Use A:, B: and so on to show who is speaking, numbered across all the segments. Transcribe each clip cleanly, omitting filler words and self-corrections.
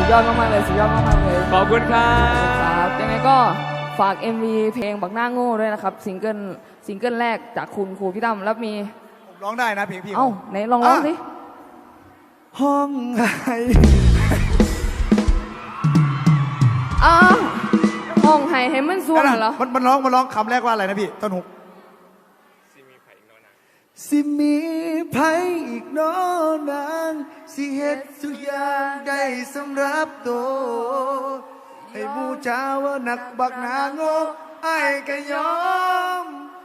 A: ยอดมากๆเลยสุดยอดมากๆเลย
B: ขอบคุณครับ
A: ยังไงก็ฝาก MV เพลงบักหน้าโง่ด้วยนะครับซิงเกิลแรกจากคุณครูพี่ตั้มแล้วมี
C: ผมร้องได้นะเพลงพี่
A: เอ้าไหนลองร้องสิ
C: ห้องไห้
A: ห้องไห้ให้มันส่วนเหรอ
C: มันร้องคำแรกว่าอะไรนะพี่ต้นหุกสิมีไผอีกน้อนางสิเฮ็ดทุกอย่างได้สำหรับตัวให้บูชาว่านักบักหนาโง่ไอ้ก็ยอม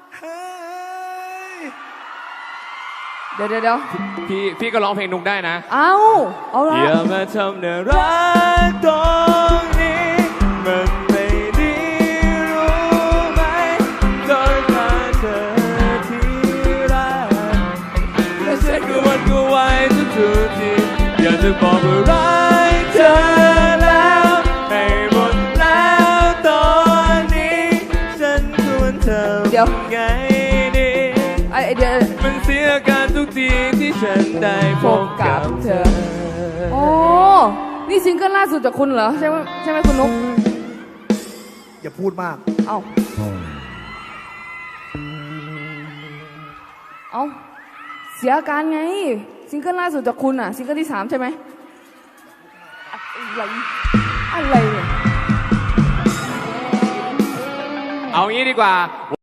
A: เดี๋ยว
B: พี่ก็ร้องเพลงนุกได้นะ
A: เอาละ
B: อย่ามาทำเนื้อรักตรงนี้มันไม่ดีรู้ไหมต้องการเธอที่รักและฉันก็วันก็ไหวทุกทีอยากจะบอกว่ารักเธอแล้วให้หมดแล้วตอนนี้ฉันควรทำไงดี
A: เดี๋ยว
B: มันเสียการทุกทีที่ฉันได้พบกับเธอ
A: โอ้นี่ซิงเกิลล่าสุดจากคุณเหรอใช่ไหมคุณนุ๊ก
C: อย่าพูดมาก
A: เอาเสียอาการไงซิงเกิลล่าสุดจากคุณอ่ะซิงเกิลที่ 3ใช่ไหมอะไรเนี่ย
B: เอางี้ดีกว่า